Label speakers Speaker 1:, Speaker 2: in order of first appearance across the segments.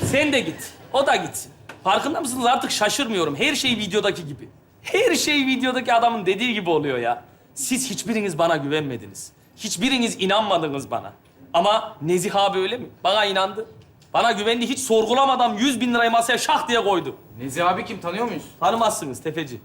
Speaker 1: Sen de git. O da gitsin. Farkında mısınız? Artık şaşırmıyorum. Her şey videodaki gibi. Her şey videodaki adamın dediği gibi oluyor ya. Siz hiçbiriniz bana güvenmediniz. Hiçbiriniz inanmadınız bana. Ama Nezih abi öyle mi? Bana inandı. Bana güvendi. Hiç sorgulamadan 100.000 lirayı masaya şah diye koydu.
Speaker 2: Nezih abi kim, tanıyor muyuz?
Speaker 1: Tanımazsınız tefeci.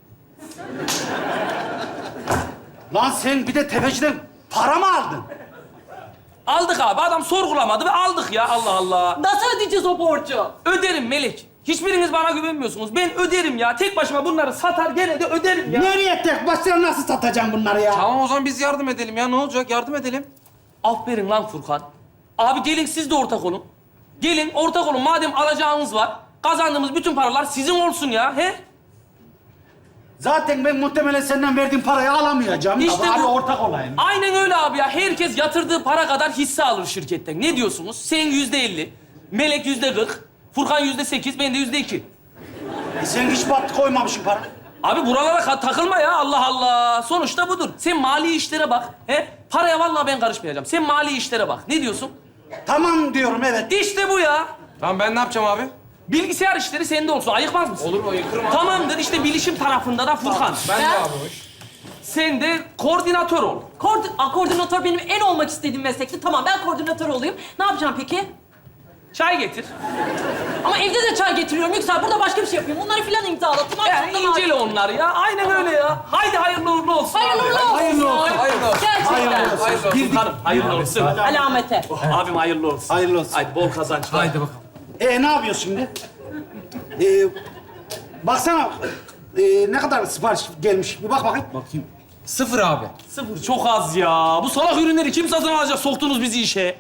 Speaker 3: Lan sen bir de tefeciden para mı aldın?
Speaker 1: Aldık abi. Adam sorgulamadı ve aldık ya. Allah Allah.
Speaker 4: Nasıl ödeyeceğiz o borcu?
Speaker 1: Öderim Melek. Hiçbiriniz bana güvenmiyorsunuz. Ben öderim ya. Tek başıma bunları satar gene de öderim ya.
Speaker 3: Nereye tek başına nasıl satacağım bunları ya?
Speaker 2: Tamam o zaman biz yardım edelim ya. Ne olacak? Yardım edelim.
Speaker 1: Aferin lan Furkan. Abi gelin siz de ortak olun. Gelin ortak olun. Madem alacağınız var, kazandığımız bütün paralar sizin olsun ya. He?
Speaker 3: Zaten ben muhtemelen senden verdiğim parayı alamayacağım.
Speaker 1: İşte
Speaker 3: Abi
Speaker 1: bu.
Speaker 3: ortak olayım.
Speaker 1: Aynen öyle abi ya. Herkes yatırdığı para kadar hisse alır şirketten. Ne diyorsunuz? Sen %50, Melek %40, Furkan %8, ben de %2.
Speaker 3: Sen hiç battı koymamışsın para.
Speaker 1: Abi buralara takılma ya. Allah Allah. Sonuçta budur. Sen mali işlere bak. He? Paraya vallahi ben karışmayacağım. Sen mali işlere bak. Ne diyorsun?
Speaker 3: Tamam diyorum evet.
Speaker 1: İşte bu ya.
Speaker 2: Tamam ben ne yapacağım abi?
Speaker 1: Bilgisayar işleri sende olsun. Ayıkmaz mısın?
Speaker 2: Olur mu? Ayıkırım abi.
Speaker 1: Tamamdır. İşte bilişim tarafında da Furkan.
Speaker 2: Ben de abi hoş.
Speaker 1: Sen de koordinatör ol.
Speaker 4: Koordinatör benim en olmak istediğim meslekti. Tamam, ben koordinatör olayım. Ne yapacağım peki?
Speaker 1: Çay getir.
Speaker 4: Ama evde de çay getiriyorum Yüksel. Burada başka bir şey yapayım. Onları filan imzalatayım.
Speaker 1: Yani incele onları ya. Aynen öyle ya. Haydi hayırlı uğurlu olsun.
Speaker 4: Hayırlı uğurlu olsun.
Speaker 3: Hayırlı olsun.
Speaker 2: Hayırlı olsun.
Speaker 4: Gerçekten.
Speaker 2: Hayırlı olsun.
Speaker 1: Furkan'ım hayırlı olsun.
Speaker 4: Alamete.
Speaker 1: Abim hayırlı olsun.
Speaker 3: Hayırlı olsun.
Speaker 1: Haydi bol kazançlar.
Speaker 2: Haydi bakalım.
Speaker 3: Ne yapıyorsun şimdi? Baksana ne kadar sipariş gelmiş. Bir bak bakayım.
Speaker 2: Bakayım. 0 abi.
Speaker 1: Sıfır çok az ya. Bu salak ürünleri kim satın alacak? Soktunuz bizi işe.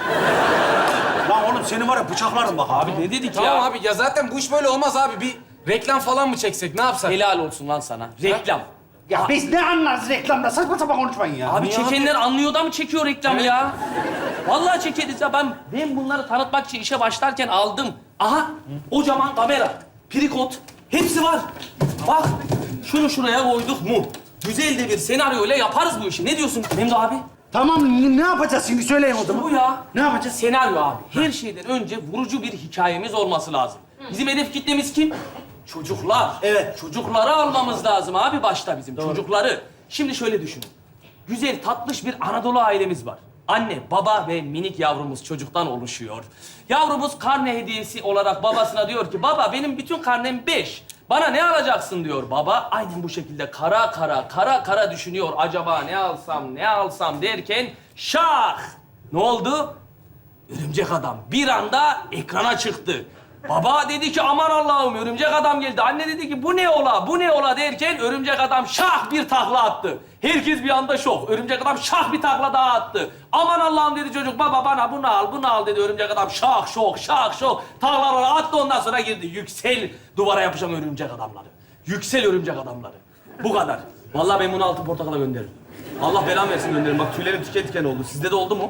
Speaker 3: Lan oğlum senin var ya bıçaklarım bak abi.
Speaker 1: Abi ne dedik
Speaker 2: Tamam
Speaker 1: ya?
Speaker 2: abi ya zaten bu iş böyle olmaz abi. Bir reklam falan mı çeksek? Ne yapsak?
Speaker 1: Helal olsun lan sana. Reklam.
Speaker 3: Ya biz ne anlarız reklamda? Saçma sapan konuşmayın ya.
Speaker 1: Abi
Speaker 2: Niye
Speaker 1: çekenler anlıyor da mı çekiyor reklamı ya? Vallahi çekeriz ya. Ben bunları tanıtmak için işe başlarken aldım. Aha, kocaman kamera, prikot, hepsi var. Bak, şunu şuraya koyduk mu? Güzel de bir senaryoyla yaparız bu işi. Ne diyorsun Memdu abi?
Speaker 3: Tamam ne yapacağız şimdi söyleyin o zaman.
Speaker 1: Bu ya.
Speaker 3: Ne yapacağız?
Speaker 1: Senaryo abi. Her şeyden önce vurucu bir hikayemiz olması lazım. Bizim hedef kitlemiz kim? Çocuklar.
Speaker 3: Evet.
Speaker 1: Çocukları almamız lazım abi başta bizim. Çocukları. Şimdi şöyle düşünün. Güzel, tatlış bir Anadolu ailemiz var. Anne, baba ve minik yavrumuz çocuktan oluşuyor. Yavrumuz karne hediyesi olarak babasına diyor ki, baba benim bütün karnem 5. Bana ne alacaksın diyor. Baba aynen bu şekilde kara kara düşünüyor. Acaba ne alsam derken şah! Ne oldu? Örümcek adam bir anda ekrana çıktı. Baba dedi ki aman Allah'ım örümcek adam geldi. Anne dedi ki bu ne ola derken örümcek adam şah bir takla attı. Herkes bir anda şok. Örümcek adam şah bir takla daha attı. Aman Allah'ım dedi çocuk baba bana bunu al dedi örümcek adam şak şok. Taklaları attı ondan sonra girdi. Yüksel duvara yapışan örümcek adamları. Yüksel örümcek adamları. Bu kadar. Vallahi ben bunu altın portakala gönderirim. Allah belamı versin gönderirim. Bak tüylerim diken oldu. Sizde de oldu mu?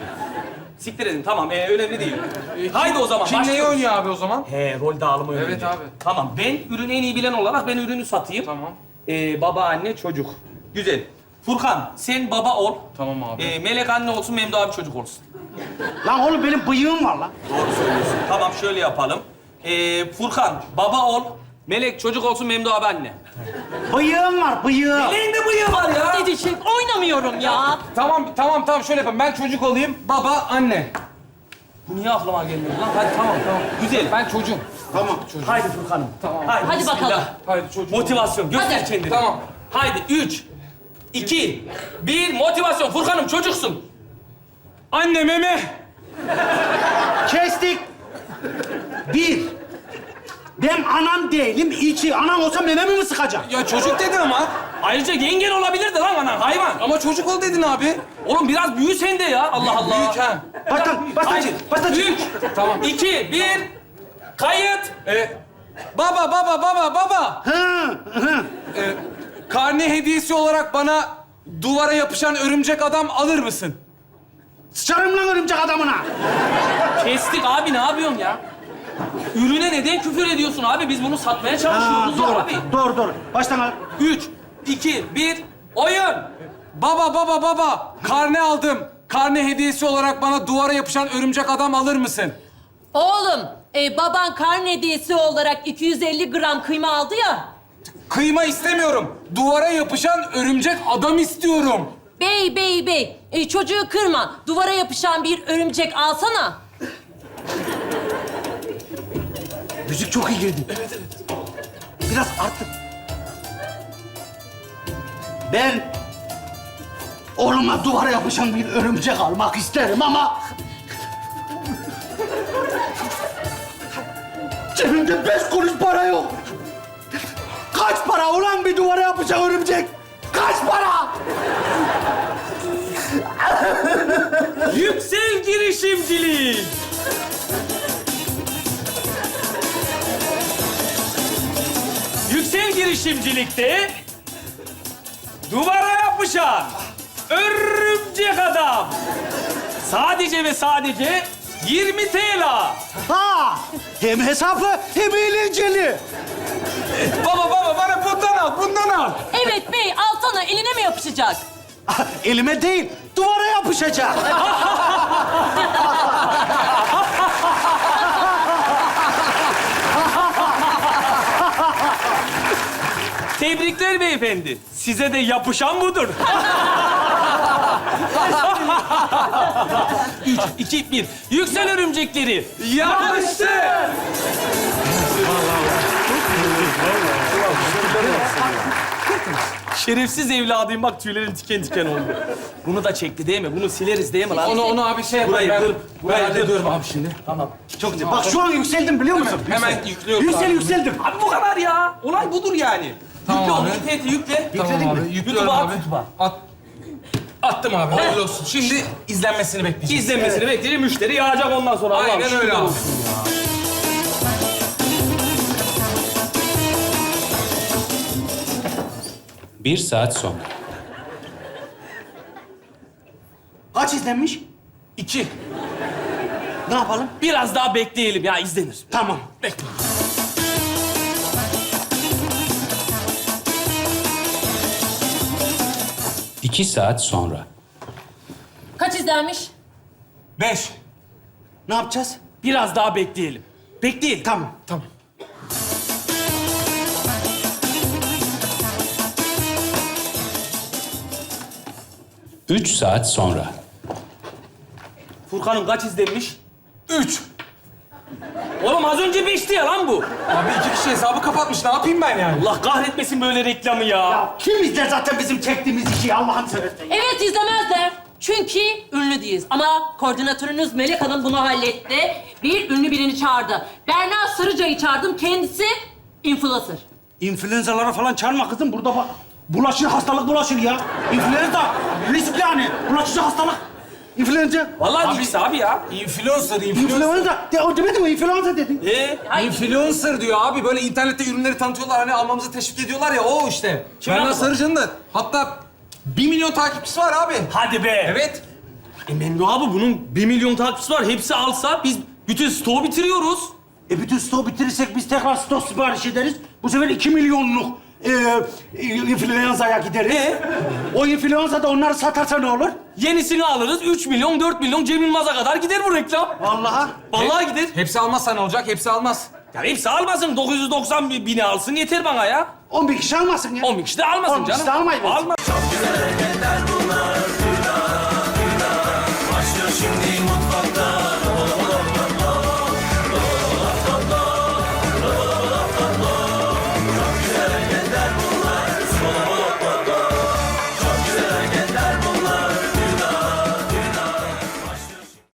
Speaker 1: Siktir edin tamam önemli değil. Haydi o zaman
Speaker 2: Kim neyi
Speaker 1: başlıyoruz.
Speaker 2: oynuyor abi o zaman?
Speaker 1: He rol dağılımı önemli.
Speaker 2: Evet abi.
Speaker 1: Tamam ben ürünü en iyi bilen olarak ben ürünü satayım.
Speaker 2: Tamam.
Speaker 1: Baba anne çocuk. Güzel. Furkan sen baba ol.
Speaker 2: Tamam abi.
Speaker 1: Melek anne olsun Memdu abi çocuk olsun.
Speaker 3: Lan oğlum benim bıyığım var lan.
Speaker 1: Doğru söylüyorsun. Tamam şöyle yapalım. Furkan baba ol. Melek çocuk olsun Memdu abi anne.
Speaker 3: Bıyığım var bıyığım.
Speaker 1: Meleğin de bıyığı var ya.
Speaker 4: Dedi şey, oynamıyorum ya.
Speaker 2: Tamam şöyle yapalım. Ben çocuk olayım, baba, anne.
Speaker 1: Bu niye aklıma gelmedi lan? Hadi tamam. Güzel.
Speaker 2: Ben çocuğum.
Speaker 3: Tamam.
Speaker 1: Haydi Furkan'ım.
Speaker 2: Tamam.
Speaker 4: Hadi
Speaker 1: bismillah.
Speaker 4: bakalım.
Speaker 2: Haydi çocuğum.
Speaker 1: Motivasyon. Göster
Speaker 4: Hadi.
Speaker 1: kendini.
Speaker 2: Tamam.
Speaker 1: Haydi 3, 2, 1 motivasyon. Furkan'ım çocuksun.
Speaker 2: Anne meme.
Speaker 3: Kestik. Bir. Ben anam değilim. İki. Anam olsa mememi mi sıkacak?
Speaker 2: Ya çocuk dedin ama.
Speaker 1: Ayrıca yengen olabilirdi lan anan hayvan.
Speaker 2: Ama çocuk ol dedin abi.
Speaker 1: Oğlum biraz büyü sende ya. Allah Allah.
Speaker 2: Büyük ha.
Speaker 3: Baştan
Speaker 1: Haydi.
Speaker 3: çık. Baştan çık.
Speaker 1: 3,
Speaker 2: Tamam.
Speaker 1: 2, 1. Kayıt.
Speaker 2: Baba.
Speaker 3: Hı.
Speaker 2: Karne hediyesi olarak bana duvara yapışan örümcek adam alır mısın?
Speaker 3: Sıçarım lan örümcek adamına.
Speaker 1: Kestik abi ne yapıyorsun ya? Ürüne neden küfür ediyorsun abi? Biz bunu satmaya çalışıyoruz ya
Speaker 3: Doğru.
Speaker 1: abi.
Speaker 3: Doğru. Baştan al.
Speaker 1: 3, 2, 1. Oyun.
Speaker 2: Baba. Karne aldım. Karne hediyesi olarak bana duvara yapışan örümcek adam alır mısın?
Speaker 4: Oğlum, Baban karne hediyesi olarak 250 gram kıyma aldı ya.
Speaker 2: Kıyma istemiyorum. Duvara yapışan örümcek adam istiyorum.
Speaker 4: Bey. Çocuğu kırma. Duvara yapışan bir örümcek alsana.
Speaker 3: Müzik çok iyi girdi. Evet. Biraz artık. Ben oğluma duvara yapışan bir örümcek almak isterim ama... Cebimde 5 kuruş para yok. Kaç para ulan bir duvara yapışan örümcek? Kaç para?
Speaker 1: Yüksel girişimcilik. Yüksel girişimcilikte duvara yapışan örümcek adam. Sadece ve sadece 20 TL.
Speaker 3: Ha! Hem hesaplı hem eğlenceli.
Speaker 2: Baba bana bundan al.
Speaker 4: Evet bey, alsana. Eline mi yapışacak?
Speaker 3: Elime değil, duvara yapışacak.
Speaker 1: Tebrikler beyefendi. Size de yapışan budur. 3, 2, 1. Yüksel örümcekleri.
Speaker 2: Yapıştı.
Speaker 1: Şerefsiz evladıyım bak tüylerim diken diken oldu. Bunu da çekti değil mi? Bunu sileriz değil mi lan?
Speaker 2: Onu abi şey
Speaker 1: Burayı
Speaker 2: yapayım.
Speaker 1: kır.
Speaker 2: Burayı
Speaker 1: Burayı kır.
Speaker 2: hallediyorum abi şimdi.
Speaker 3: Çok güzel. Bak şu an yükseldim biliyor musun?
Speaker 2: Hemen yüklüyorum abi.
Speaker 3: Yükseldim.
Speaker 1: Abi bu kadar ya. Olay budur yani.
Speaker 2: Tamam
Speaker 1: Yükle
Speaker 2: abi.
Speaker 1: onu, interneti yükle.
Speaker 2: Tamam abi. Yüklüyorum
Speaker 1: YouTube'a
Speaker 2: abi.
Speaker 1: at, YouTube'a.
Speaker 2: Attım abi. Hayırlı olsun. Şimdi izlenmesini bekleyeceğiz.
Speaker 1: İzlenmesini bekleyeceğim, müşteri yağacak ondan sonra. Allah'ım
Speaker 2: Aynen
Speaker 1: şükürler
Speaker 2: öyle abi.
Speaker 1: olsun.
Speaker 5: Bir saat sonra.
Speaker 3: Kaç izlenmiş?
Speaker 1: 2.
Speaker 3: Ne yapalım?
Speaker 1: Biraz daha bekleyelim ya izlenir.
Speaker 3: Tamam.
Speaker 1: Bekle.
Speaker 5: İki saat sonra.
Speaker 4: Kaç izlenmiş?
Speaker 2: 5.
Speaker 3: Ne yapacağız?
Speaker 1: Biraz daha bekleyelim. Bekleyelim.
Speaker 3: Tamam.
Speaker 2: Tamam.
Speaker 5: Üç saat sonra.
Speaker 1: Furkan'ım kaç izlenmiş?
Speaker 2: 3.
Speaker 1: Oğlum az önce 5'ti ya lan bu.
Speaker 2: Abi 2 kişi hesabı kapatmış. Ne yapayım ben yani?
Speaker 1: Allah kahretmesin böyle reklamı ya.
Speaker 3: Ya kim izler zaten bizim çektiğimiz işi Allah'ın seversen.
Speaker 4: Evet, izlemezler. Çünkü ünlü değiliz. Ama koordinatörünüz Melek Hanım bunu halletti. Bir ünlü birini çağırdı. Berna Sarıca'yı çağırdım. Kendisi influencer.
Speaker 3: İnfluenzalara falan çarpma kızım. Burada bak. Bulaşır, hastalık bulaşır ya. İnfluenza riskli yani. Bulaşıcı hastalık. İnfluenza.
Speaker 1: Vallahi ikisi abi ya.
Speaker 2: Influencer.
Speaker 3: İnfluenza. De, o demedi mi? İnfluenza dedin.
Speaker 2: Influencer diyor abi. Böyle internette ürünleri tanıtıyorlar. Hani almamızı teşvik ediyorlar ya. O işte.
Speaker 1: Kim
Speaker 2: Berna
Speaker 1: yaptı?
Speaker 2: Sarıcan'ın da hatta 1 milyon takipçisi var abi.
Speaker 1: Hadi be.
Speaker 2: Evet.
Speaker 1: Memdu abi bunun 1 milyon takipçisi var. Hepsi alsa biz bütün stoğu bitiriyoruz.
Speaker 3: Bütün stoğu bitirirsek biz tekrar stok sipariş ederiz. Bu sefer 2 milyonluk influenza'ya gideriz. O influenza da onları satarsa ne olur?
Speaker 1: Yenisini alırız. 3 milyon, 4 milyon Cem Yılmaz'a kadar gider bu reklam.
Speaker 3: Vallahi.
Speaker 1: Vallahi gider.
Speaker 2: Hepsi almazsa ne olacak? Hepsi almaz.
Speaker 1: Ya hepsi almasın. 990 bini alsın yeter bana ya.
Speaker 3: 11 kişi almasın ya.
Speaker 1: 10 kişi de almasın
Speaker 3: 10 kişi
Speaker 1: canım.
Speaker 3: de almayın.
Speaker 1: Alma.